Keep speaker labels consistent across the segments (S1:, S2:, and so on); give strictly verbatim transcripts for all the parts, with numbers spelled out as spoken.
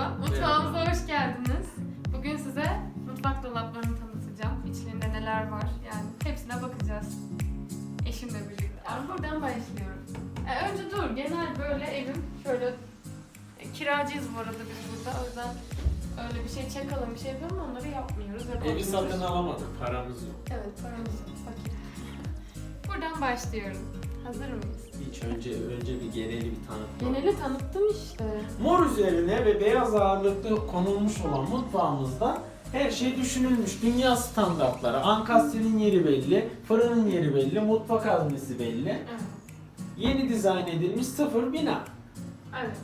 S1: Merhaba, mutfağımıza hoş geldiniz. Bugün size mutfak dolaplarını tanıtacağım. İçlerinde neler var, yani hepsine bakacağız. Eşimle birlikte. Yani buradan başlıyorum. E, önce dur, genel böyle evim şöyle e, kiracıyız bu arada biz burada. O yüzden öyle bir şey çakalım, bir şey yapalım onları yapmıyoruz.
S2: Evi satın alamadık, paramız yok.
S1: Evet, paramız yok, fakir. Buradan başlıyorum. Hazır mıyız?
S2: Hiç önce önce bir geneli bir tanıtma.
S1: Geneli tanıttım işte.
S2: Mor üzerine ve beyaz ağırlıklı konulmuş olan mutfağımızda her şey düşünülmüş. Dünya standartları. Ankastrenin yeri belli, fırının yeri belli, mutfak haznesi belli.
S1: Evet.
S2: Yeni dizayn edilmiş sıfır bina.
S1: Evet.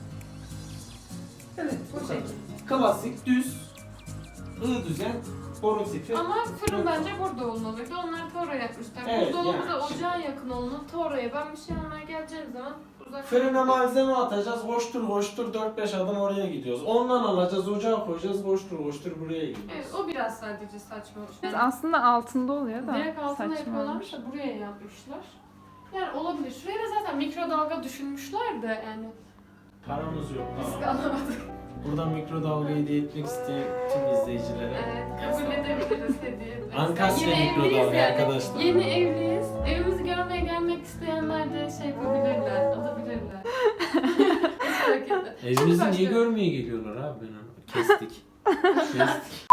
S2: Evet,
S1: Bu
S2: bu kadar.
S1: şekilde.
S2: Klasik, düz, ı düzen, boru tipi.
S1: Ama fırın bence burada olmalıydı. Onlar Toro yapmışlar.
S2: Evet,
S1: Buzdolabı
S2: yani.
S1: da ocağa yakın olmalı. Toro'ya ben bir şey almaya geleceğim zaman uzak.
S2: Fırına malzeme atacağız, koştur koştur dört beş adım oraya gidiyoruz. Ondan alacağız, ocağa koyacağız, koştur koştur buraya gidiyoruz.
S1: Evet, o biraz sadece saçma.
S3: Biz
S1: Yani
S3: aslında altında oluyor da
S1: direkt altına
S3: saçma
S1: yapıyorlarmış
S3: olmuş.
S1: da buraya yapmışlar. Yani olabilir. Şuraya da zaten mikrodalga düşünmüşler de yani.
S2: Paramız yok.
S1: Risk
S2: Tamam.
S1: alamadık.
S2: Buradan mikrodalga hediye etmek isteyen tüm izleyicilere.
S1: Evet, kabul edebiliriz hediye.
S2: Ankastre
S1: Yine
S2: mikrodalga
S1: evliyiz yani.
S2: arkadaşlar.
S1: Yeni evliyiz. Evimizi görmeye gelmek isteyenler de şey yapabilirler, alabilirler. Hiç fark etmez. Şimdi
S2: Evimizi niye
S1: başlıyorum.
S2: görmeye geliyorlar abi ben onu? Kestik. Kestik.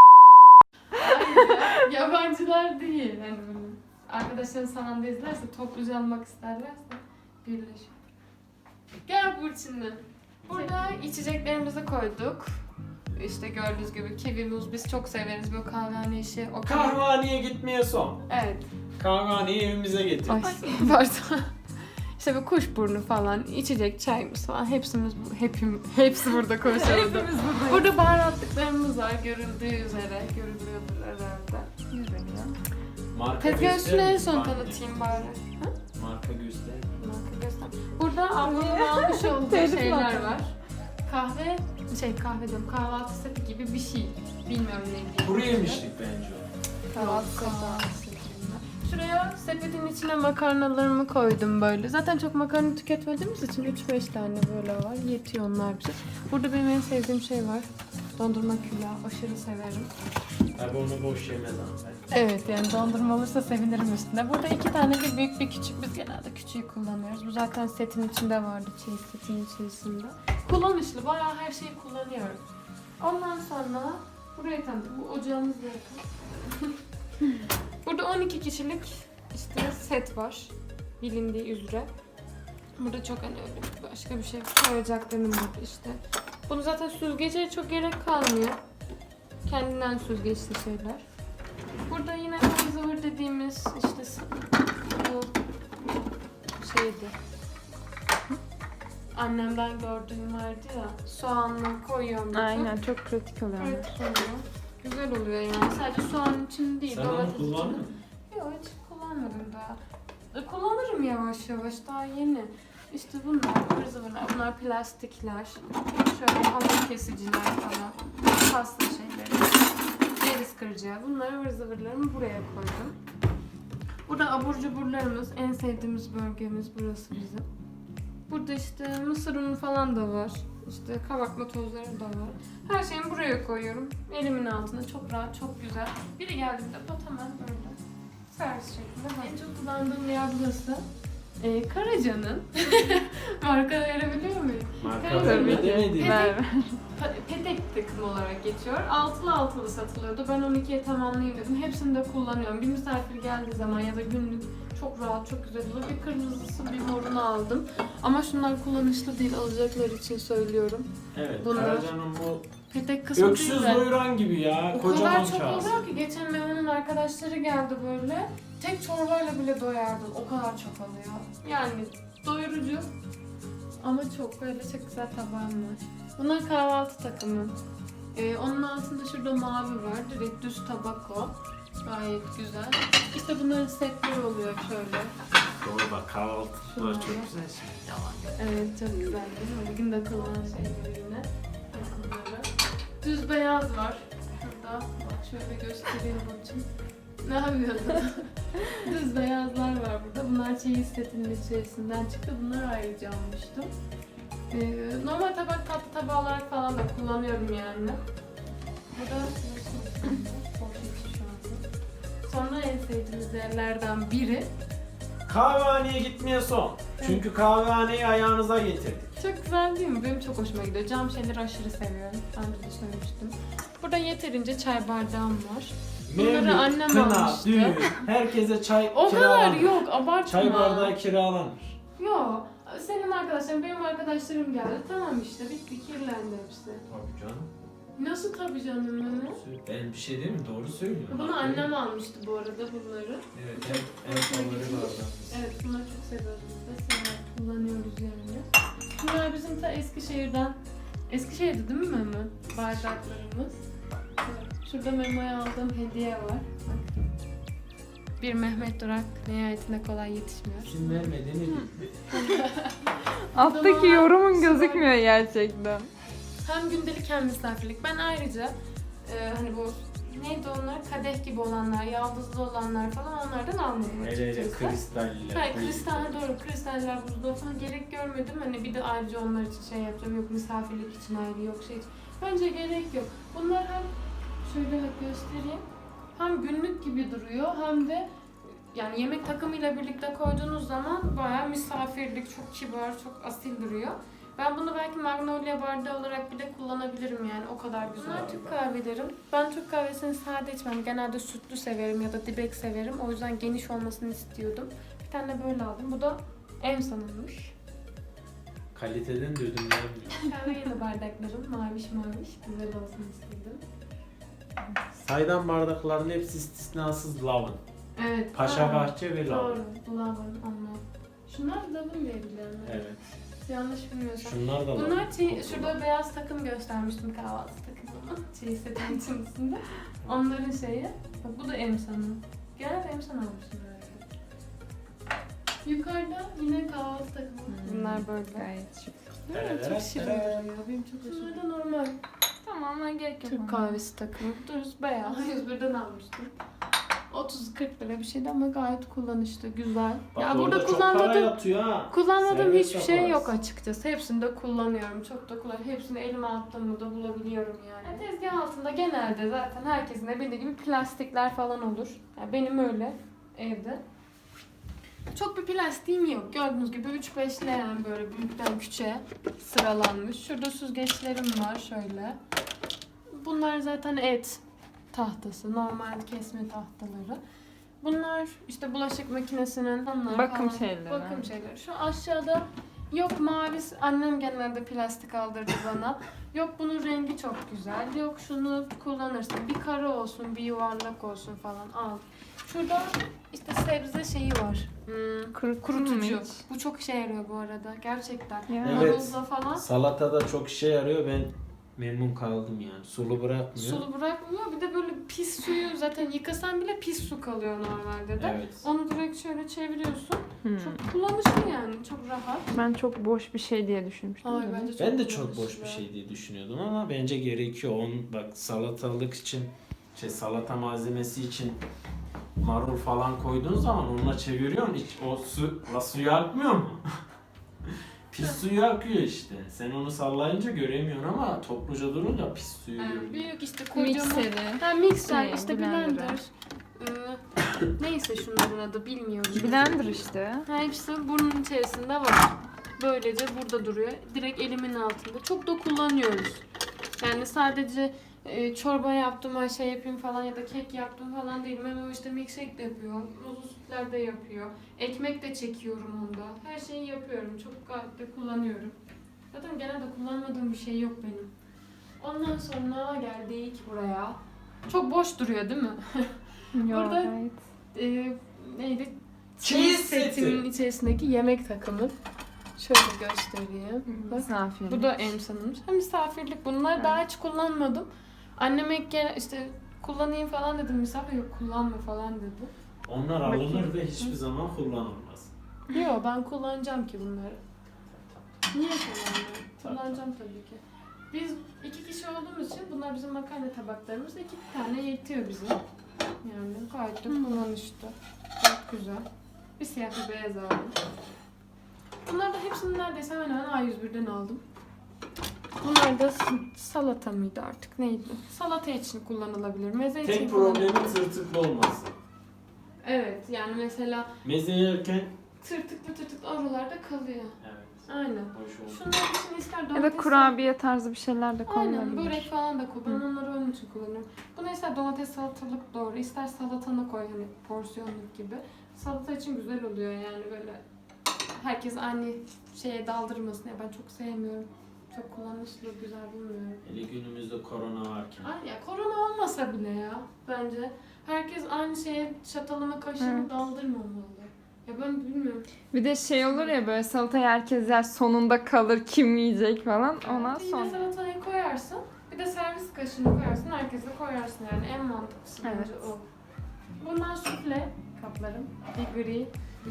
S1: Hayır ya, yabancılar değil. Yani böyle arkadaşların sananda izlerse, topluca almak isterlerse birleşip. Gel Burçin'le. Burada içeceklerimizi koyduk. İşte gördüğünüz gibi kivi muz biz çok severiz böyle kahvehane işi. O
S2: Kahvehaneye gitmeye son.
S1: Evet.
S2: Kahvehaneyi evimize getir.
S1: Ay pardon. İşte bu kuşburnu falan, içecek, çayımız falan hepsimiz bu, hepim, hepsi burada konuşuyordu.
S3: Hepimiz buradayız.
S1: Burada baharatlıklarımız var görüldüğü üzere, görülüyordur herhalde.
S3: Görünüyor.
S2: Marka
S1: Tezgah üstüne en
S2: gösterir
S1: son
S2: misin?
S1: tanıtayım bari. Ha?
S2: Marka göster.
S1: Marka göster. Burada ablamın almış olduğu
S3: Telif
S1: şeyler
S3: marka.
S1: var. Kahve, şey kahve diyorum, kahvaltı seti gibi bir şey. Bilmiyorum ne diye.
S2: Kuru yemişlik bence o.
S1: Kahvaltı seti. Şuraya sepetin içine makarnalarımı koydum böyle. Zaten çok makarna tüketmediğimiz için üç beş tane böyle var. Yetiyor onlar bize. Burada benim en sevdiğim şey var. Dondurma külahı. Aşırı severim.
S2: Abi onu boş yemez hanımefendi.
S1: Evet yani dondurma olursa sevinirim üstüne. Burada iki tane bir büyük bir küçük. Biz genelde küçüğü kullanıyoruz. Bu zaten setin içinde vardı. Çeyiz setin içerisinde. Kullanışlı. Bayağı her şeyi kullanıyorum. Ondan sonra burayı tanıdım. Bu ocağımız da yakın. Burada on iki kişilik işte set var. Bilindiği üzere. Burada çok hani öyle başka bir şey koyacaklarım var işte. Bunu zaten süzgece çok gerek kalmıyor. Kendinden süzgeçli şeyler. Burada yine ıvır zıvır dediğimiz işte bu şeydi. Annemden gördüğüm vardı ya. Soğanla koyuyorum.
S3: Aynen çok pratik oluyor.
S1: Evet, oluyor. Güzel oluyor yani. Sadece soğan için değil.
S2: Sen onu
S1: domates için.
S2: kullandın mı?
S1: Yok hiç kullanmadım daha. E, kullanırım yavaş yavaş, daha yeni. İşte bunlar, ıvır zıvırlar, bunlar plastikler. Şöyle hamur kesiciler falan. Pasta şeyleri. Ceviz kıracağı. Bunları ıvır zıvırlarımı buraya koydum. Burada abur cuburlarımız, en sevdiğimiz bölgemiz burası bizim. Burada işte mısır unu falan da var. İşte kabartma tozları da var. Her şeyimi buraya koyuyorum. Elimin altında çok rahat, çok güzel. Biri geldiğinde pat hemen böyle servis şeklinde. En çok kullandığım yer burası. Ee, Karaca'nın marka verebiliyor muyum?
S2: Marka
S1: Tabii.
S2: verme demedim.
S3: Ver.
S1: Pa- Petek takım olarak geçiyor. Altılı altılı satılıyordu. Ben on ikiye tamamlayayım dedim. Hepsini de kullanıyorum. Bir misafir geldiği zaman ya da günlük çok rahat, çok güzel oluyor. Bir kırmızısı, bir morunu aldım. Ama şunlar kullanışlı değil, alacaklar için söylüyorum.
S2: Evet,
S1: Bunlar-
S2: Karaca'nın bu
S1: Petek kısmı
S2: öksüz
S1: değil de.
S2: doyuran gibi ya.
S1: O
S2: Kocaman
S1: kadar çok
S2: kağıt.
S1: oluyor ki geçen Memo'nun arkadaşları geldi böyle. Tek çorbayla bile doyardın. O kadar çok alıyor. Yani doyurucu ama çok böyle çok güzel tabağım var. Bunlar kahvaltı takımı. Ee, onun altında şurada mavi var. Direkt düz tabak o. Gayet güzel. İşte bunların setleri oluyor şöyle.
S2: Doğru bak kahvaltılar
S1: Şunlar.
S2: çok güzel şey. Yalan.
S1: Evet çok güzel değil mi? Bugün de kullanan şeyler yine. Bunları. Düz beyaz var. Şurada. Bak şöyle göstereyim bakayım. Ne yapıyorsun? Düz beyazlar var burada. Bunlar çeyiz setinin içerisinden çıktı. Bunları ayrıca almıştım. Ee, normal tabak tatlı tabağı olarak falan da kullanıyorum yani. Bu da şu anda. Sonra en sevdiğimiz yerlerden biri.
S2: Kahvehaneye gitmeye son. Çünkü kahvehaneyi ayağınıza getirdik.
S1: Çok güzel değil mi? Benim çok hoşuma gidiyor. Cam şeyleri aşırı seviyorum. Daha önce de söylemiştim. Burada yeterince çay bardağım var. Bunları
S2: Mevlüt,
S1: annem
S2: kına,
S1: almıştı.
S2: düğün, herkese çay
S1: O kadar
S2: kiralanır.
S1: yok, abartma.
S2: Çay bardağı kiralanır.
S1: Yok. Senin arkadaşların, benim arkadaşlarım geldi. Tamam işte, bitti, kirlendi hepsi.
S2: Tabii canım.
S1: Nasıl tabii canım Mehmet?
S2: Ben bir şey değil mi? Doğru söylüyorum.
S1: Bunu annem almıştı bu arada bunları.
S2: Evet, en, en favori bardağımız.
S1: Evet, bunları çok seviyoruz biz de. Severek kullanıyoruz yani. Bunlar bizim ta Eskişehir'den. Eskişehir'de değil mi Mehmet? Bardaklarımız. Evet. Şurada Memo'ya aldığım hediye var. Bak. Bir Mehmet Durak nihayetinde kolay yetişmiyor.
S2: Kim vermediğini bildi.
S3: Alttaki yorumun gözükmüyor gerçekten.
S1: Hem gündelik hem misafirlik. Ben ayrıca e, hani bu neydi onlar? Kadeh gibi olanlar, yaldızlı olanlar falan onlardan almadım
S2: Hele hele
S1: açıkçası.
S2: kristaller.
S1: Hayır, kristal doğru. Kristaller, buzluğu falan gerek görmedim. Hani bir de ayrıca onlar için şey yapacağım. Yok misafirlik için ayrı, yok şey için. Bence gerek yok. Bunlar hem şöyle bak göstereyim. Hem günlük gibi duruyor hem de yani yemek takımıyla birlikte koyduğunuz zaman bayağı misafirlik, çok kibar, çok asil duruyor. Ben bunu belki magnolia bardağı olarak bile kullanabilirim yani o kadar güzel. Bunlar Türk kahvelerim. Ben Türk kahvesini sade içmem. Genelde sütlü severim ya da dibek severim. O yüzden geniş olmasını istiyordum. Bir tane de böyle aldım. Bu da Emsan'ınmış.
S2: Kaliteden de ödün vermiyor.
S1: Kahve yeni bardaklarım. Maviş maviş. Güzel olsun istedim.
S2: Saydam bardakların hepsi istisnasız lavın.
S1: Evet.
S2: Paşa
S1: aa,
S2: Bahçe ve lavın.
S1: Doğru. Lavın onlar. Şunlar lavın diye biliyorum.
S2: Evet.
S1: Yanlış bilmiyorsam.
S2: Şunlar da lavın.
S1: Bunlar çiğ,
S2: Çok
S1: şurada
S2: lavın.
S1: beyaz takım göstermiştim kahvaltı takımı. Çiğ setin içerisinde. Onların şeyi. Bak bu da Emsan'ın. Genelde Emsan almışım herhalde. Yukarıda yine kahvaltı takımı. Bunlar böyle.
S3: Gayet şık.
S1: Değil mi? Çok şirin duruyor. Benim çok hoşuma gidiyor. Bunlar da normal.
S3: Tamam, ben gerek yok.
S1: Türk
S3: ona.
S1: kahvesi takımı. Dürüst beyaz. yüz birden almıştım. otuz kırk lira bir şeydi ama gayet kullanışlı, güzel.
S2: Bak
S1: ya
S2: orada
S1: burada
S2: çok para
S1: kullanmadığım
S2: yatıyor ha.
S1: kullanmadığım
S2: Servet
S1: hiçbir şey
S2: yaparız.
S1: yok açıkçası. Hepsini de kullanıyorum. Çok da kullanıyorum. Hepsini elime attığımı da bulabiliyorum yani. yani tezgah altında genelde zaten herkesin de bildiği gibi plastikler falan olur. Yani benim öyle evde. Çok bir plastiğim yok. Gördüğünüz gibi üç beş leğen böyle büyükten küçüğe sıralanmış. Şurada süzgeçlerim var şöyle. Bunlar zaten et tahtası, normal kesme tahtaları. Bunlar işte bulaşık makinesinin onlar
S3: Bakım
S1: falan.
S3: şeyleri.
S1: Bakım şeyleri. Şu aşağıda yok mavi, annem genelde plastik aldırdı bana. Yok bunun rengi çok güzel. Yok şunu kullanırsın. Bir kare olsun, bir yuvarlak olsun falan al. Şurada işte sebze şeyi var. Hmm,
S3: Kuruttun mu
S1: kurutucu.
S3: hiç?
S1: Bu çok işe yarıyor bu arada gerçekten.
S3: Ya.
S2: Evet.
S1: Marulda falan.
S2: Salatada çok işe yarıyor. Ben memnun kaldım yani. Sulu bırakmıyor.
S1: Sulu bırakmıyor. Bir de böyle pis suyu zaten yıkasan bile pis su kalıyor normalde de.
S2: Evet.
S1: Onu direkt şöyle çeviriyorsun.
S3: Hmm.
S1: Çok kullanışlı yani. Çok rahat.
S3: Ben çok boş bir şey diye düşünmüştüm.
S1: Ay,
S3: de.
S1: bence
S2: Ben de çok
S1: kullanışlı.
S2: boş bir şey diye düşünüyordum ama bence gerekiyor. Onun bak salatalık için şey salata malzemesi için marul falan koyduğun zaman onunla çeviriyorsun. Hiç o su la suyu akmıyor mu? Pis suyu akıyor işte. Sen onu sallayınca göremiyorsun ama topluca durunca pis suyu
S1: Yani
S2: görüyorsun.
S1: büyük işte kocaman.
S3: Mikseri.
S1: Ha mikser
S3: Şey,
S1: işte
S3: blender.
S1: blender. Ee, neyse şunların adı bilmiyorum.
S3: Blender işte.
S1: Ha, hepsi burnun içerisinde var. Böylece burada duruyor. Direkt elimin altında. Çok da kullanıyoruz. Yani sadece e, çorba yaptım, ay şey yapayım falan ya da kek yaptım falan değil. Memo işte milkshake de yapıyor. Muzlu sütler de yapıyor. Ekmek de çekiyorum onda. Her şeyi yapıyorum. Çok gayet de kullanıyorum. Zaten genelde kullanmadığım bir şey yok benim. Ondan sonra geldik buraya. Çok boş duruyor değil mi?
S3: Yok,
S1: Burada-
S3: gayet.
S1: e, neydi?
S2: Cheese
S1: Cheese
S2: seti.
S1: setinin içerisindeki yemek takımı. Şöyle göstereyim. Bak,
S3: Misafir.
S1: bu da Emsan'ın. Ha, misafirlik. Bunlar
S3: Evet.
S1: daha hiç kullanmadım. Anneme gel işte kullanayım falan dedim. Misafir yok kullanma falan dedi.
S2: Onlar alınır ve hiçbir zaman kullanılmaz.
S1: Yok ben kullanacağım ki bunları. Niye kullanmıyorum? Kullanacağım tabii ki. Biz iki kişi olduğumuz için bunlar bizim makarna tabaklarımız. İki tane yetiyor bize. Yani gayet de kullanışlı. Çok güzel. Bir siyah bir beyaz aldım. Bunlar da hepsini neredeyse hemen hemen A yüz birden aldım. Bunlar da s- salata mıydı artık neydi? Salata için kullanılabilir. Meze için
S2: Tek
S1: kullanılabilir.
S2: problemi tırtıklı olması.
S1: Evet yani mesela
S2: Meze yerken
S1: tırtıklı tırtıklı oralarda kalıyor.
S2: evet.
S1: Aynen.
S2: Hoş oldu.
S1: Şunlar için ister
S3: Ya
S1: domates...
S3: da kurabiye tarzı bir şeyler de
S1: Aynen
S3: konulabilir.
S1: börek falan da koy. Ben
S3: Hı.
S1: onları onun için kullanıyorum. Buna ister domates salatalık doğru, ister salatana koy hani porsiyonluk gibi. Salata için güzel oluyor yani böyle. Herkes aynı şeye daldırmasın. Ya ben çok sevmiyorum. Çok kullanışlı, güzel bulmuyorum.
S2: Hele günümüzde korona varken.
S1: Ay ya korona olmasa bile ya bence. Herkes aynı şeye çatalını kaşığını
S3: Evet.
S1: daldırmamalı. Ya ben bilmiyorum.
S3: Bir de şey olur ya böyle salatayı herkes yer sonunda kalır kim yiyecek falan ondan
S1: Bir de
S3: sonra.
S1: salatayı koyarsın. Bir de servis kaşığını koyarsın. Herkese koyarsın yani en mantıklısı bence
S3: Evet.
S1: o. Bunlar sufle kaplarım. Bir gri.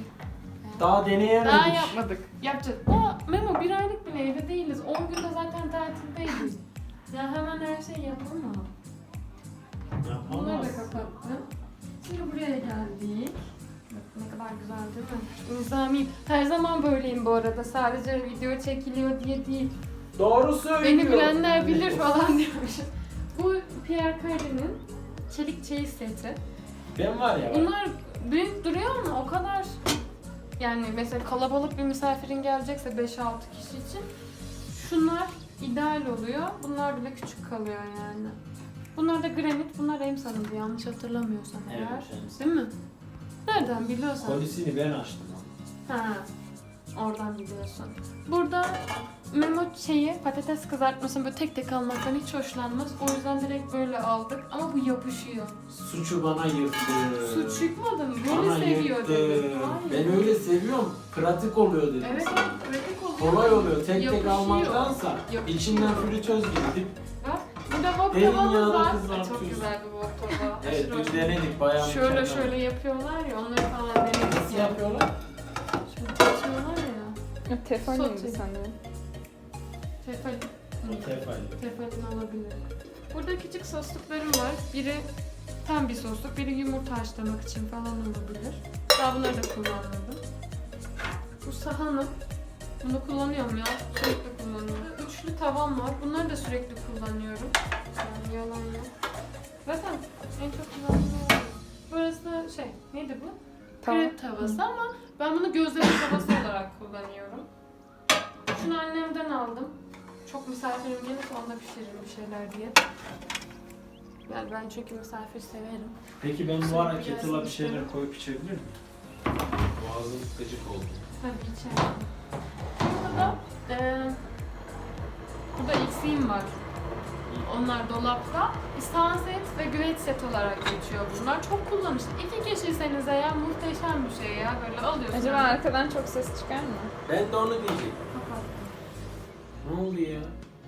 S2: Daha deneyemedik.
S1: Daha yapmadık. Yapacağız. Daha Memo bir aylık bile evde değiliz. on günde zaten tatildeyiz. Ya hemen her şeyi yapamam. Bunları da
S2: Yapamaz.
S1: kapattım. Şimdi buraya geldik. Bak ne kadar güzel değil mi? Nizamiyim. Her zaman böyleyim bu arada. Sadece video çekiliyor diye değil.
S2: Doğru söylüyor.
S1: Beni bilenler bilir falan diyormuşum. Bu Pierre Cardin'in çelik çeyiz seti.
S2: Ben var ya. bak,
S1: Bunlar büyük duruyor ama o kadar yani mesela kalabalık bir misafirin gelecekse beş altı kişi için şunlar ideal oluyor. Bunlar bile küçük kalıyor yani. Bunlar da granit, bunlar emsanıydı yanlış hatırlamıyorsam
S2: Evet,
S1: eğer.
S2: emsan.
S1: Değil mi? Nereden biliyorsan?
S2: Kolisini ben açtım. onu.
S1: Ha, oradan biliyorsun. Burada Memo şeyi patates kızartmasını böyle tek tek almaktan hiç hoşlanmaz. O yüzden direkt böyle aldık ama bu yapışıyor.
S2: Suçu bana yıktı.
S1: Su çıkmadı mı?
S2: Bana
S1: Böyle seviyor
S2: yıktı.
S1: dedi. Hayır.
S2: Ben öyle seviyorum. Pratik oluyor dedim.
S1: Evet,
S2: sana.
S1: pratik oluyor.
S2: Kolay oluyor. Tek tek
S1: Yapışıyor.
S2: almaktansa
S1: Yapışıyor.
S2: içinden fritöz gibi dip.
S1: Bak, burada wok
S2: Derin
S1: tavamız
S2: yağda
S1: var. Ay,
S2: kızartıyorsun.
S1: çok güzel bir wok tava.
S2: Evet
S1: Aşırı
S2: biz
S1: hoş.
S2: denedik bayağı
S1: Şöyle
S2: mükemmel.
S1: şöyle yapıyorlar ya, onları falan denedik.
S2: Nasıl yapıyorlar?
S1: Şöyle açıyorlar ya.
S3: Tefaliydi
S1: Sote.
S3: sanırım.
S1: Tefal.
S2: O tefal.
S1: Tefalin olabilir. Burada küçük sosluklarım var. Biri tam bir sosluk, biri yumurta haşlamak için falan olabilir. Daha bunları da kullanmadım. Bu sahanım. Bunu kullanıyorum ya. Sürekli kullanıyorum. Üçlü tavam var. Bunları da sürekli kullanıyorum. Yani yalan yok. Zaten en çok kullandığım o. Burası da şey, neydi bu?
S3: Tava.
S1: Krep tavası ama ben bunu gözleme tavası olarak kullanıyorum. Şunu annemden aldım. Çok misafirim gelirse onda pişiririm bir şeyler diye. Yani ben çünkü misafir severim.
S2: Peki ben bu ara
S1: Sürekli
S2: kettle'a bir
S1: gelsin
S2: şeyler
S1: istedim.
S2: koyup içebilir miyim? Boğazım gıcık oldu.
S1: Tabii içerim. Burada da eee burada eksiğim var. Onlar dolapta. İstan set ve güveç set olarak geçiyor bunlar. Çok kullanışlı. İki kişiyseniz eğer muhteşem bir şey ya. Böyle alıyorsun.
S3: Acaba arkadan çok ses çıkar mı?
S2: Ben de onu diyecektim.
S1: Kapattım.
S2: Ne oldu ya?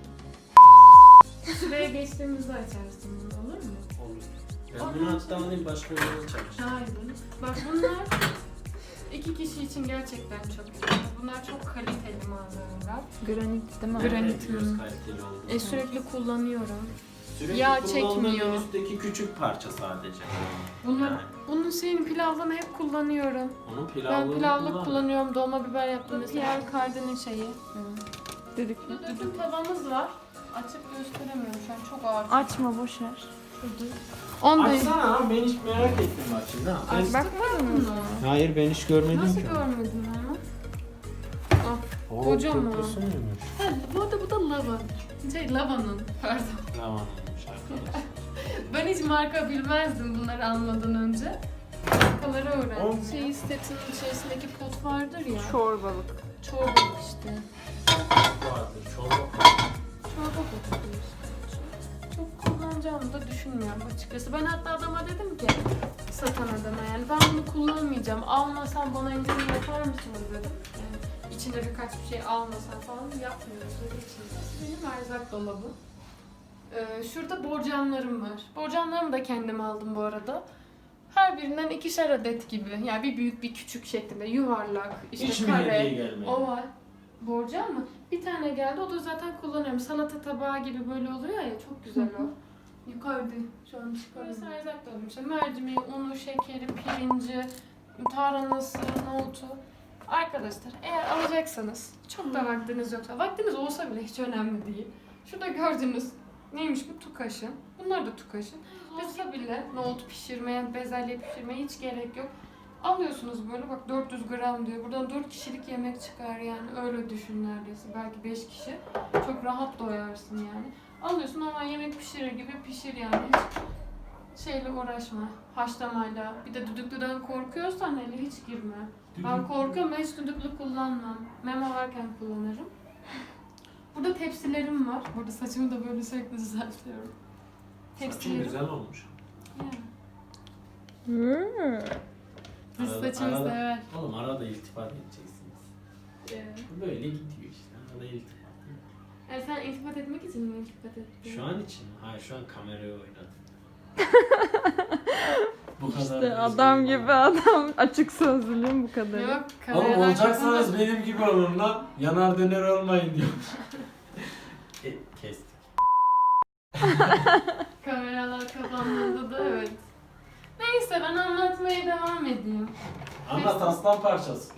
S1: Şuraya geçtiğimizde açarsın bunu, olur mu?
S2: Olur. Ben bunu hatta alayım başka bir yere çalışacağım.
S1: Hayır. Bak bunlar iki kişi için gerçekten çok güzel. Bunlar çok kaliteli malzemeler.
S3: Granit değil mi?
S1: Granit.
S2: Evet, göz kaliteli oldu.
S1: E sürekli kullanıyorum.
S2: Sürekli
S1: yağ
S2: kullandığın
S1: çekmiyor.
S2: üstteki küçük parça sadece.
S1: Bunlar,
S2: Yani.
S1: bunun şeyini pilavdan hep kullanıyorum.
S2: Onun
S1: Ben
S2: pilavlığını
S1: pilavlık
S2: kullan.
S1: kullanıyorum. Dolma biber yaptım mesela. Pierre Cardin'in şeyi.
S3: Dedik.
S1: Burada döküm tavamız var. Açıp gösteremiyorum şu an çok ağır.
S3: Açma boşver.
S1: Şurada. Onda
S2: Açsana ha, ben hiç merak ettim bak şimdi ha. Ben...
S1: Açtık
S3: Bakmadın mı?
S1: bunu.
S2: Hayır ben hiç görmedim
S1: Nasıl
S2: ki.
S1: görmedin onu?
S2: Oo,
S1: Kocaman.
S2: kokusu muymuş?
S1: Ha, bu arada bu da lava. Şey lavanın. Pardon.
S2: Tamam olmuş arkadaşlar.
S1: Ben hiç marka bilmezdim bunları almadan önce. Markaları öğrendim.
S2: Oğlum.
S1: Şey setinin içerisindeki pot vardır ya.
S3: Çorbalık.
S1: Çorba işte.
S2: Vardır çorba.
S1: Çorba potu işte. Çok kullanacağımı da düşünmüyorum açıkçası. Ben hatta adama dedim ki satan adama yani ben bunu kullanmayacağım. Almasam bana indirim yapar mısınız dedim. Yani içinde birkaç bir şey almasam falan yapmıyoruz. Öyle içinde. Benim erzak dolabım. Ee, şurada borcamlarım var. Borcamlarımı da kendim aldım bu arada. Her birinden ikişer adet gibi. Yani bir büyük bir küçük şeklinde yuvarlak, işte
S2: Hiç mi
S1: kare,
S2: hediye gelmedi?
S1: oval. Borcam mı? Bir tane geldi. O da zaten kullanıyorum. Salata tabağı gibi böyle oluyor ya. Çok güzel o. Yukarıda. Şu an çıkarıyorum. Burası erzak dolabım. İşte mercimeği, unu, şekeri, pirinci, tarhanası, nohutu. Arkadaşlar eğer alacaksanız çok da vaktiniz yoksa, vaktiniz olsa bile hiç önemli değil. Şurada gördüğünüz neymiş bu? Tukaşın. Bunlar da tukaşın. Olsa bile nohut pişirmeye, bezelye pişirmeye hiç gerek yok. Alıyorsunuz böyle bak dört yüz gram diyor. Buradan dört kişilik yemek çıkar yani. Öyle düşün neredeyse. Belki beş kişi. Çok rahat doyarsın yani. Alıyorsun ama yemek pişirir gibi pişir yani. Hiç şeyle uğraşma. Haşlamayla. Bir de düdüklüden korkuyorsan hele hiç girme. Ben korkuyorum. Ben hiç düdüklü kullanmam. Memo varken kullanırım. Burada tepsilerim var. Burada saçımı da böyle sürekli düzeltiyorum.
S2: Saçın güzel olmuş.
S1: Yani.
S3: Hmm.
S1: Biz
S2: Arada-
S1: saçımı
S2: arada-
S1: sever.
S2: Oğlum arada iltifat edeceksiniz.
S1: Evet.
S2: Böyle gidiyor işte. Arada iltifat.
S1: Yani sen iltifat etmek için mi iltifat ettin?
S2: Şu an için mi? Hayır şu an kamerayı oynadım. Bu kadar.
S3: İşte
S2: da
S3: adam
S2: üzgünüm
S3: gibi
S2: ama.
S3: adam. Açık sözlülüğüm bu kadar.
S1: Yok,
S2: Oğlum
S1: kameralar
S2: olacaksanız
S1: kapandı.
S2: benim gibi olun lan. Yanar döner olmayın diyor. e, kestik.
S1: Kameralar kapandığında da evet. Neyse ben anlatmaya devam edeyim.
S2: Anlat aslan parçası.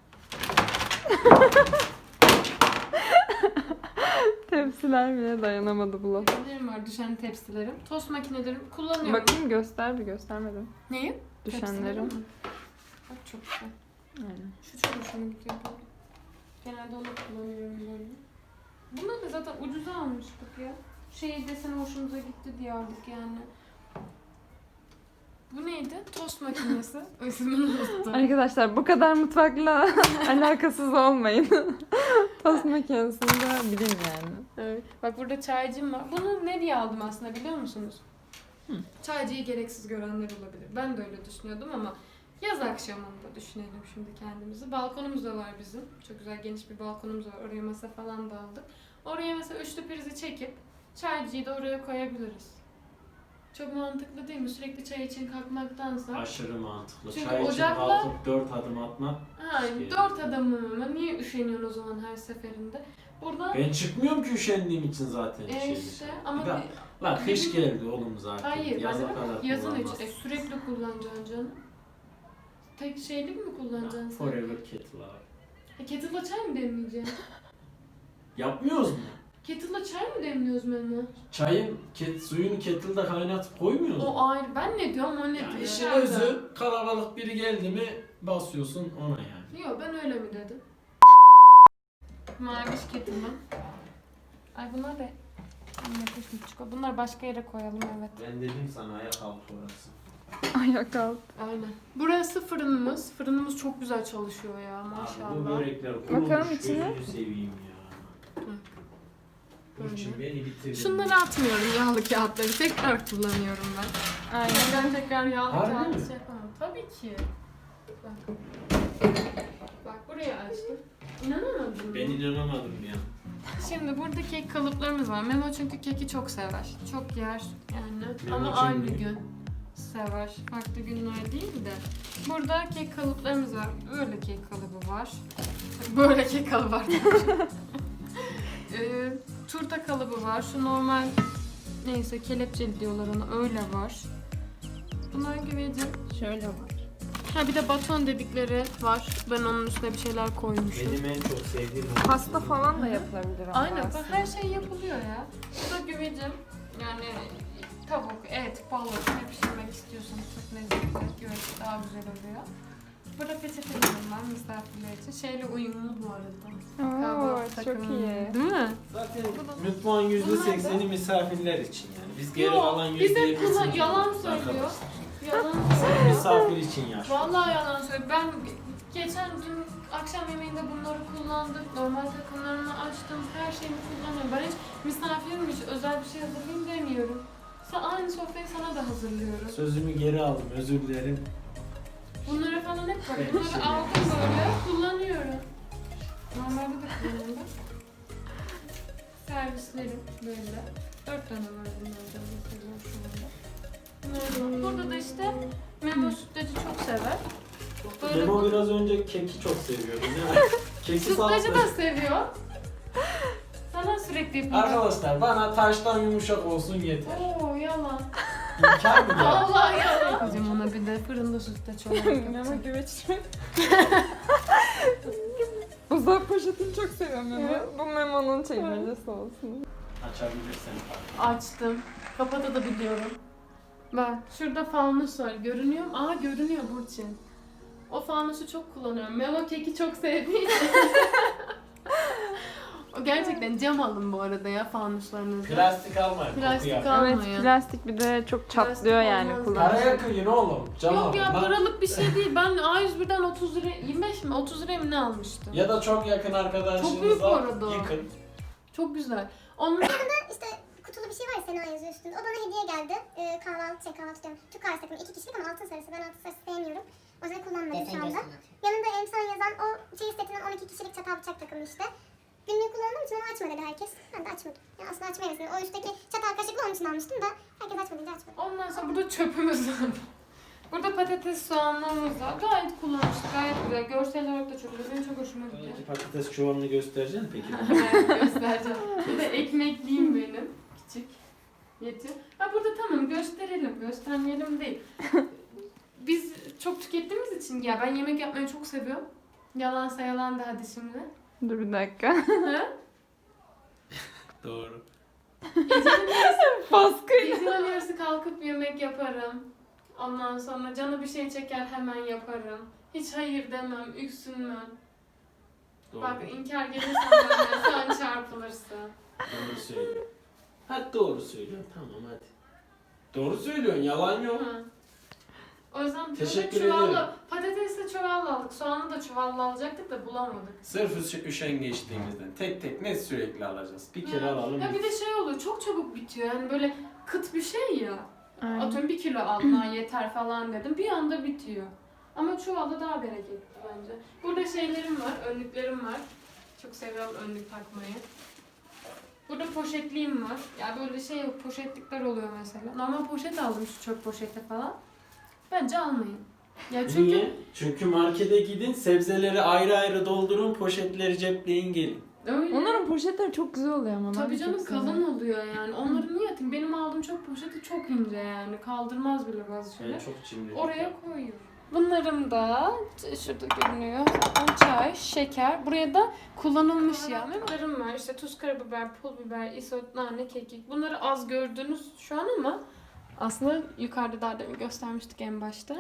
S3: Tepsiler bile dayanamadı bu lafa.
S1: Tepsilerim var, düşen tepsilerim. Tost makinelerim kullanıyorum.
S3: Bakayım göster bir göstermedim.
S1: Neyi? Tepsilerim
S3: Düşenlerim.
S1: mi? Bak çok güzel.
S3: Aynen.
S1: Şu çok hoşuma gidiyor böyle. Genelde onu kullanıyorum böyle. Bunları da zaten ucuza almıştık ya. Şey desene hoşumuza gitti diye aldık yani. Bu neydi? Tost makinesi. İsmini unuttum.
S3: Arkadaşlar bu kadar mutfakla alakasız olmayın. Tost makinesinde bilin yani.
S1: Evet. Bak burada çaycım var. Bunu ne diye aldım aslında biliyor musunuz?
S3: Hı.
S1: Çaycıyı gereksiz görenler olabilir. Ben de öyle düşünüyordum ama yaz akşamında düşünelim şimdi kendimizi. Balkonumuz da var bizim. Çok güzel geniş bir balkonumuz var. Oraya masa falan da aldık. Oraya mesela üçlü prizi çekip çaycıyı da oraya koyabiliriz. Çok mantıklı değil mi? Sürekli çay için kalkmaktansa.
S2: Aşırı mantıklı.
S1: Çünkü
S2: Çay için
S1: ocakla-
S2: kalkıp dört adım atmak.
S1: Ha,
S2: Şey-
S1: dört adamım ama niye üşeniyorsun o zaman her seferinde? Burada
S2: Ben çıkmıyorum ki üşendiğim için zaten.
S1: e
S2: şey
S1: işte
S2: dışarı.
S1: ama
S2: Bir de- Lan kış geldi oğlum zaten.
S1: hayır,
S2: Yaza
S1: ben
S2: kadar
S1: de yazın hiç
S2: kullanmaz.
S1: e, sürekli kullanacaksın canım. Tek şeylik mi kullanacaksın sen?
S2: Forever kettle abi.
S1: E, kettle'la çay mı demleyeceksin?
S2: Yapmıyoruz mu?
S1: Kettle'la çay mı demliyoruz Memo?
S2: Çayın ket, suyunu kettle'da kaynatıp koymuyoruz mu?
S1: O ayrı. Ben ne diyorum o ne
S2: Yani
S1: diyor?
S2: işin
S1: Nereden?
S2: özü kalabalık biri geldi mi basıyorsun ona yani.
S1: Yok ben öyle mi dedim? Maviş kettle'ım. Ay bunlar da yapış mı çıkıyor? Bunlar başka yere koyalım evet.
S2: Ben dedim sana ayak altı orası.
S3: Ayak alt.
S1: Aynen. Burası fırınımız. Fırınımız çok güzel çalışıyor ya
S2: Abi bu
S1: maşallah.
S2: börekler
S3: Bakalım
S2: kurumuş,
S3: içine.
S2: gözünü seveyim ya. Bunun için beni bitirdin.
S1: Şunları atmıyorum yağlı kağıtları. Tekrar kullanıyorum ben.
S3: Aynen.
S1: Ben tekrar yağlı
S2: Harbi
S1: kağıt
S2: mi?
S1: şey yapamam. Tabii ki. Bak. Bak buraya açtım. İnanamadın mı?
S2: Ben inanamadım ya.
S1: Şimdi burada kek kalıplarımız var. Memo çünkü keki çok sever. Çok yer yani.
S2: Memo
S1: Ama
S2: kim
S1: aynı
S2: bilir?
S1: gün sever. Farklı günler değil de. Burada kek kalıplarımız var. Böyle kek kalıbı var. Böyle kek kalıbı var. ee, turta kalıbı var. Şu normal neyse kelepçeli diyorlar ona. Öyle var. Bunlar güvecim.
S3: Şöyle var.
S1: Ha bir de baton dedikleri var. Ben onun üstüne bir şeyler koymuşum.
S2: Benim en çok sevdiğim
S3: Pasta falan da yapılabilir ama
S1: Aynen bak
S3: aslında.
S1: her şey yapılıyor ya. Bu da güvecim. Yani tavuk, et, balık ne pişirmek istiyorsanız çok lezzetli. Güveç daha güzel oluyor. Burada peçetelerim var misafirler için. Şeyle uyumlu bu arada.
S3: Oo,
S1: Kahvaltı
S3: çok
S1: takımı.
S3: iyi.
S1: Değil mi?
S2: Zaten
S1: Bu da-
S2: mutfağın yüzde sekseni
S1: Bunlar
S2: misafirler için yani. Biz geri
S1: Yok,
S2: kalan
S1: biz
S2: yüzde
S1: hep
S2: yetmişini
S1: kullan- yalan
S2: kullanıyoruz
S1: söylüyor.
S2: arkadaşlar.
S1: Yalan
S2: Sen
S1: söylüyor.
S2: misafir için yaş.
S1: Vallahi yalan söylüyor. Ben geçen gün akşam yemeğinde bunları kullandım. Normal takımlarını açtım. Her şeyimi kullanıyorum. Ben hiç misafirmiş, özel bir şey hazırlayayım demiyorum. Sa- Aynı sofrayı sana da hazırlıyorum.
S2: Sözümü geri aldım özür dilerim.
S1: Bunları falan hep var.
S2: Evet,
S1: Bunları
S2: şimdi-
S1: aldım böyle kullanıyorum. Normalde de kullanıyorum. Servislerim böyle. Dört tane var bunlardan mesela şu anda. Bunlar- Burada da işte Memo sütlacı çok sever. Böyle
S2: Memo
S1: bu-
S2: biraz önce keki çok seviyordu değil mi? Keki
S1: Sütlacı
S2: sattı.
S1: da seviyor. Sana sürekli yapıyor.
S2: Arkadaşlar bana taştan yumuşak olsun yeter.
S1: Oo yalan.
S2: İmkan mı ya?
S1: Allah yalan. Kızım ona bir de fırında sütlaç olarak
S3: Memo güveç. Buzdolabı poşetini çok seviyorum Memo.
S1: Evet.
S3: Bu Memo'nun çekmecesi olsun.
S2: Açabilirsin.
S1: Açtım. Kapatabiliyorum. Bak şurada fanus var. Görünüyor mu? Aa görünüyor Burçin. O fanusu çok kullanıyorum. Memo keki çok sevdiği için. O gerçekten cam alın bu arada ya fanuslarınızı.
S2: Plastik almayın.
S1: Plastik
S2: kokuyor.
S1: al-
S3: Evet,
S1: Almayın.
S3: plastik bir de çok
S1: Plastik
S3: çatlıyor yani
S1: olmaz.
S3: kullanınca.
S2: Paraya kıyın oğlum. Cam
S1: Yok
S2: alın
S1: ya
S2: lan.
S1: paralık bir şey değil. Ben A yüz birden otuz lira, yirmi beş mi? otuz liraya mı ne almıştım?
S2: Ya da çok yakın
S1: Çok büyük bu
S2: arkadaşınıza
S1: arada o.
S2: yıkın.
S1: Çok güzel. Onun
S4: İşte kutulu bir şey var ya Sena yazıyor üstünde. O bana hediye geldi. Ee, kahvaltı, şey kahvaltı diyorum. Türk kahvesi takımı iki kişilik ama altın sarısı. Ben altın sarısı sevmiyorum. O yüzden kullanmadım şu anda. Yanında Emsan yazan o çeyiz setinden on iki kişilik çatal bıçak takımı işte. Günlüğü kullandığım için onu açma dedi herkes. Ben de açmadım. Yani aslında açmayasın. O üstteki çatal kaşıklı onun için almıştım da herkes açmadınca açmadım.
S1: Ondan sonra burada çöpümüz var. Burada patates soğanlarımız var. Gayet kullanışlı, gayet güzel. Görsel olarak da çok güzel. Benim çok hoşuma gitti.
S2: Belki patates çuvalını göstereceksin peki.
S1: Evet, göstereceğim. Bu da ekmekliğim benim. Küçük. Yetiyor. Ha burada tamam gösterelim. Göstermeyelim değil. Biz çok tükettiğimiz için ya ben yemek yapmayı çok seviyorum. Yalansa yalan da hadi şimdi.
S3: Dur bir dakika.
S1: Ha?
S2: Doğru.
S1: Gecenin yarısı,
S3: Baskıyla.
S1: gecenin yarısı kalkıp yemek yaparım. Ondan sonra canı bir şey çeker hemen yaparım. Hiç hayır demem, üksünmem.
S2: Doğru.
S1: Bak inkar gelirsen benden sen çarpılırsın.
S2: Doğru söylüyorsun. Hadi doğru söylüyorsun. Tamam hadi. Doğru söylüyorsun. Yalan yok.
S1: Hı. O yüzden
S2: Teşekkür
S1: çuvalla,
S2: ederim.
S1: patatesle çuvalla aldık. Soğanı da çuvalla alacaktık da bulamadık.
S2: Sırf üş- üşengeçliğimizden. Tek tek ne sürekli alacağız. Bir kere
S1: Ha.
S2: alalım.
S1: Ya bir de şey oluyor, çok çabuk bitiyor. Yani böyle kıt bir şey ya.
S3: Aynen.
S1: Atıyorum bir kilo aldım, ha yeter falan dedim. Bir anda bitiyor. Ama çuvalda daha bereketli bence. Burada şeylerim var, önlüklerim var. Çok seviyorum önlük takmayı. Burada poşetliğim var. Ya böyle şey poşetlikler oluyor mesela. Normal poşet aldım şu çöp poşeti falan. Bence almayın. Ya çünkü
S2: Niye? Çünkü markete gidin, sebzeleri ayrı ayrı doldurun, poşetleri cepleyin gelin.
S1: öyle.
S3: Onların poşetleri çok güzel oluyor ama. ben
S1: Tabii
S3: de çok
S1: canım
S3: seviyorum.
S1: kalın oluyor yani. Onları niye atayım? Benim aldığım çöp poşeti çok ince yani. Kaldırmaz bile bazı şeyler.
S2: Ben çok cimri.
S1: Oraya koyuyorum. Bunlarım da şurada görünüyor. Zaten çay, şeker. Buraya da kullanılmış yağ. Bunlarım var. İşte tuz, karabiber, pul biber, isot, nane, kekik. Bunları az gördünüz şu an ama aslında yukarıda daha demin göstermiştik en başta.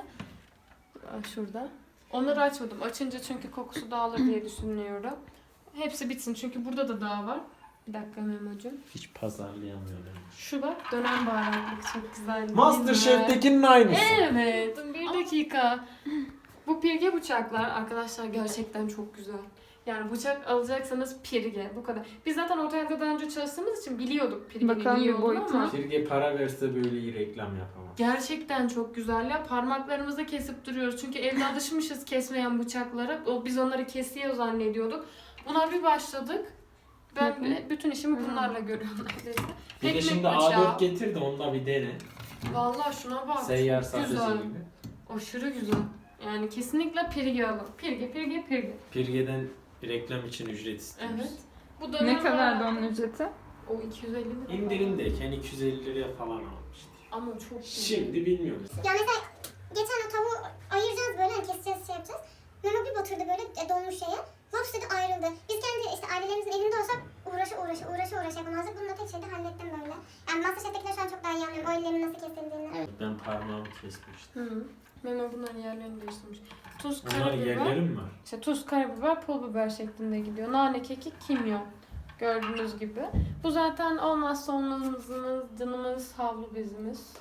S1: Şurada. Onları açmadım. Açınca çünkü kokusu dağılır diye düşünüyorum. Hepsi bitsin çünkü burada da daha var. Bir dakika Memo'cum.
S2: Hiç pazarlayamıyorum.
S1: Şu bak dönem baharatlık çok güzel değil mi?
S2: Masterchef'tekinin aynısı.
S1: Evet. Bir dakika. Bu pirge bıçaklar arkadaşlar gerçekten çok güzel. Yani bıçak alacaksanız pirge bu kadar. Biz zaten ortalarda daha önce çalıştığımız için biliyorduk pirgenin
S3: Bakalım
S1: iyi
S3: bir
S1: olduğunu
S3: boyutu.
S1: ama
S2: Firge para verse böyle iyi reklam yapamaz.
S1: gerçekten çok güzel ya. Parmaklarımızı kesip duruyoruz. Çünkü evde alışmışız kesmeyen bıçaklara. O, biz onları kesiyor zannediyorduk. Buna bir başladık. Ben
S3: Bakın.
S1: bile bütün işimi bunlarla görüyorum neredeyse.
S2: Bir de
S1: Ekmek
S2: şimdi
S1: bıçağı.
S2: A dört getir de onda bir dene.
S1: Vallahi şuna bak.
S2: Seyyar
S1: çok
S2: sahtesi
S1: güzel.
S2: gibi.
S1: Aşırı güzel. Yani kesinlikle pirge alın. Pirge, pirge, pirge.
S2: Firge'den bir reklam için ücret istiyoruz.
S1: Evet. Bu
S3: Ne
S1: dönem
S3: kadardı
S1: var.
S3: onun ücreti?
S1: O iki yüz elli lira.
S2: İndirimdeyken iki yüz elli liraya falan almıştı.
S1: Ama çok iyi.
S2: Şimdi bilmiyorum.
S4: Ya mesela geçen o tavuğu ayıracağız böyle hani keseceğiz şey yapacağız. Memo bir batırdı böyle e, donmuş şeye. Laps dedi ayrıldı. Biz kendi işte ailelerimizin evinde olsak uğraşı uğraşı uğraşı uğraşı yapamazdık. Bununla tek şeyde hallettim böyle. Yani Masterchef'tekiler şu an çok daha iyi anlıyorum. O ellerin nasıl kesildiğini.
S2: Ben parmağımı kesmiştim.
S1: Hı. Memo bunların yerlerini değiştirmiş. Tuz,
S2: Bunlar
S1: karabiber.
S2: yerlerim mi var?
S1: İşte tuz, karabiber, pul biber şeklinde gidiyor. Nane, kekik, kimyon. Gördüğünüz gibi. Bu zaten olmazsa olmazımız, canımız, havlu bezimiz.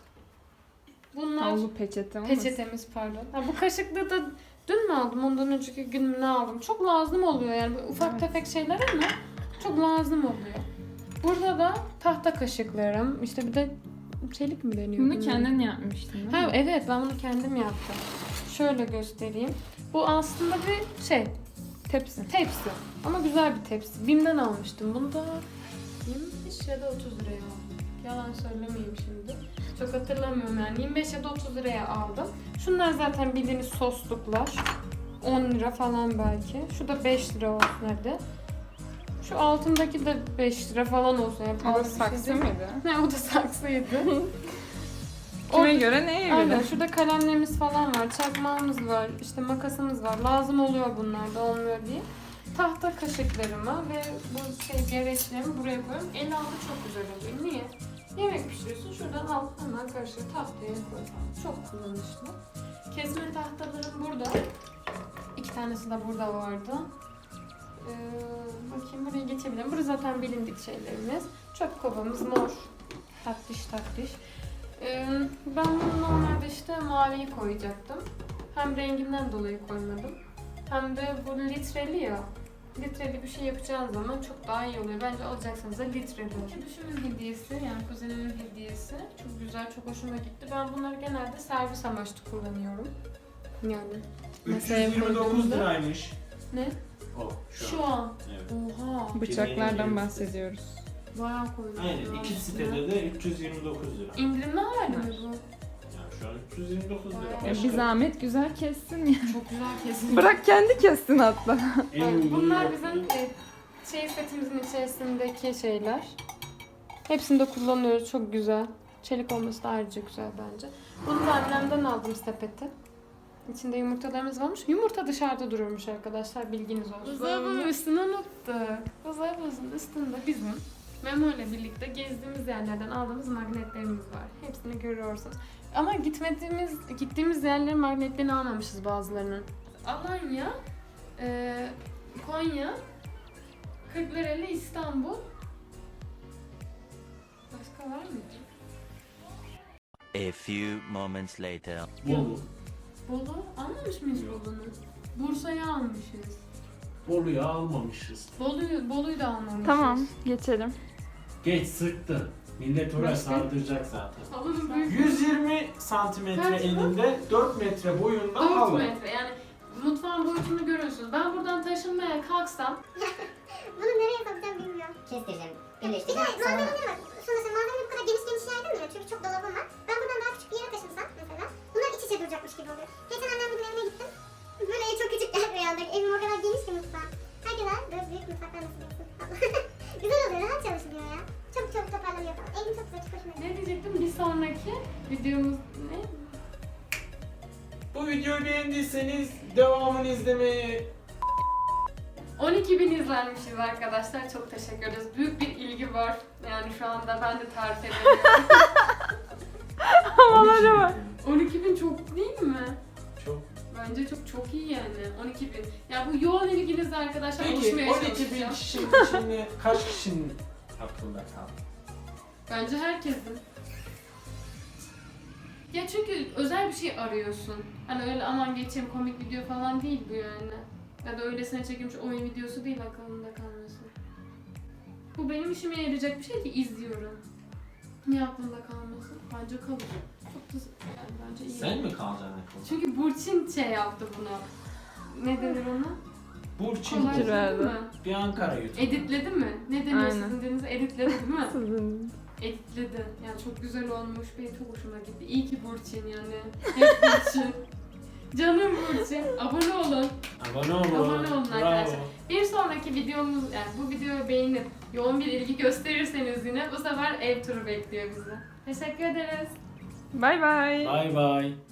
S1: Bunlar
S3: Havlu peçete olmasın?
S1: peçetemiz pardon. Ha, bu kaşıklığı da dün mü aldım, ondan önceki gün mü ne aldım? Çok lazım oluyor yani böyle ufak
S3: Evet.
S1: tefek şeyler ama çok lazım oluyor. Burada da tahta kaşıklarım. İşte bir de çelik mi deniyor?
S3: Bunu
S1: bilmiyorum.
S3: kendin yapmıştın değil mi?
S1: Ha, evet ben bunu kendim yaptım. Şöyle göstereyim. Bu aslında bir şey,
S3: Tepsi.
S1: tepsi. Ama güzel bir tepsi. Bim'den almıştım. Bunu da yirmi beş ya da otuz liraya aldım. Yalan söylemeyeyim şimdi. Çok hatırlamıyorum yani. yirmi beş ya da otuz liraya aldım. Şunlar zaten bildiğiniz sosluklar. on lira falan belki. Şu da beş lira olsun hadi. Şu altındaki de beş lira falan olsun. Yani
S3: O
S1: pahalı bir şey
S3: saksı
S1: değil.
S3: mıydı?
S1: Ne o da saksıydı.
S3: Kime
S1: Orada-
S3: göre neye
S1: Aynen,
S3: göre?
S1: şurada kalemlerimiz falan var, çakmağımız var, işte makasımız var. Lazım oluyor bunlar da olmuyor diye. Tahta kaşıklarımı ve bu şey gereçlerimi buraya koyuyorum. El altı çok güzel oluyor. Niye? Yemek pişiriyorsun, şuradan al hemen kaşığı tahtaya koy. Çok kullanışlı. Kesme tahtalarım burada. İki tanesi de burada vardı. Ee, bakayım buraya geçebilirim. Burası zaten bilindik şeylerimiz. Çöp kovamız mor. Tatlış tatlış. Ee, ben bunu normalde işte maviyi koyacaktım. Hem renginden dolayı koymadım. Hem de bu litreli ya. Litreli bir şey yapacağınız zaman çok daha iyi oluyor. Bence alacaksanız da litreli olsun. Düşümün hediyesi, yani kuzenimin hediyesi. Çok güzel, çok hoşuma gitti. Ben bunları genelde servis amaçlı kullanıyorum. Yani.
S2: üç
S1: Masaya
S2: yüz yirmi dokuz
S1: koyduğumda-
S2: liraymış.
S1: Ne?
S2: O şu,
S1: Şu
S2: an.
S1: an.
S2: Evet.
S1: Oha.
S3: Bıçaklardan bahsediyoruz.
S1: Bayağı koydum.
S2: Aynen
S1: şu an
S2: iki
S1: üstüne.
S2: sitede de üç yüz yirmi dokuz lira.
S1: İndirimli hali mi bu?
S2: Yani şu an üç yüz yirmi dokuz lira.
S1: Bayağı.
S3: E,
S2: Başka-
S3: bir zahmet güzel kessin ya.
S1: Çok güzel kesin.
S3: Bırak kendi kessin hatta.
S2: En
S1: Evet,
S2: uygun
S1: bunlar
S2: yok.
S1: bizim e, şey setimizin içerisindeki şeyler. Hepsini de kullanıyoruz. Çok güzel. Çelik olması da ayrıca güzel bence. Bunu da annemden aldım sepeti. İçinde yumurtalarımız varmış. Yumurta dışarıda dururmuş arkadaşlar. Bilginiz olsun. Buzdolabının üstünü unuttuk. Buzdolabımızın üstünde bizim Memo ile birlikte gezdiğimiz yerlerden aldığımız magnetlerimiz var. Hepsini görüyorsunuz. Ama gitmediğimiz gittiğimiz yerlerin magnetlerini almamışız bazılarının. Alanya, e, Konya, Kırklareli, İstanbul. Başka var mı?
S5: A few moments later.
S2: Bolu.
S1: Bolu almamış mıyız Bolu'nu? Bursa'yı almışız.
S2: Bolu'yu almamışız.
S1: Bolu'yu Bolu'yu da almamışız.
S3: Tamam, geçelim.
S2: Geç sıktı. Millet oraya
S1: Başka?
S2: sardıracak zaten.
S1: Halının büyük
S2: yüz yirmi santimetre
S1: Kaç bu?
S2: eninde dört metre boyunda
S1: dört
S2: halı.
S1: metre, yani mutfağın boyutunu görüyorsunuz. Ben buradan taşınmaya kalksam
S4: Bunu nereye sokacağım bilmiyorum.
S6: Kestireceğim.
S4: Bir de
S6: Birleştireceğim.
S4: malzemeleri var. Sonuçta malzemeleri bu kadar geniş geniş yaydım ya. Çünkü çok dolabım var. Ben buradan daha küçük bir yere taşınsam mesela. Bunlar iç içe duracakmış gibi oluyor. Geçen annem bugün evine gittim. Böyle ev çok küçük geldi rüyamda. Evim o kadar geniş ki mutfağı. Herkese böyle büyük mutfaklar nasıl yapsın? Güzel oluyor. Rahat çalışılıyor ya. Çok çok toparlanıyor falan. Evim çok güzel. Çok hoşuma gitti.
S1: ne diyecektim, bir sonraki videomuz ne?
S2: Bu videoyu beğendiyseniz devamını izlemeyi
S1: on iki bin izlenmişiz arkadaşlar. Çok teşekkür ederiz. Büyük bir ilgi var. Yani şu anda ben de tarif edemiyorum.
S3: Havalara bak.
S1: on iki bin çok değil mi?
S2: Çok.
S1: Bence çok çok iyi yani. on iki bin. Ya bu yoğun ilginizle arkadaşlar
S2: Peki
S1: oluşmaya
S2: on iki bin
S1: çalışacağım.
S2: kişinin içinde kaç kişinin aklında kaldı?
S1: Bence herkesin. Ya çünkü özel bir şey arıyorsun. Hani öyle aman geçeyim komik video falan değil bu yani. Ya da öylesine çekilmiş oyun videosu değil aklımda kalması. Bu benim işime yarayacak bir şey ki izliyorum. Niye aklımda kalmasın? Bence kalır. Çok da yani bence iyi.
S2: Sen mi kalacaksın akılda?
S1: Çünkü Burçin şey yaptı bunu. Ne denir ona?
S2: Burçin
S1: Kolaj
S3: Fikir verdi.
S1: değil mi?
S2: bir Ankara YouTube.
S1: Editledi mi? Ne deniyor
S3: Aynen.
S1: sizin dilinize? Editledi değil mi?
S3: Sizin.
S1: Editledi. Yani çok güzel olmuş. Benim çok hoşuma gitti. İyi ki Burçin yani. Hep Burçin. Canım Burçin. Abone olun.
S2: Abone olun.
S1: Abone olun
S2: Bravo.
S1: arkadaşlar. Bir sonraki videomuz, yani bu videoyu beğenip yoğun bir ilgi gösterirseniz yine bu sefer ev turu bekliyor bizi. Teşekkür ederiz.
S3: Bay bay.
S2: Bay bay.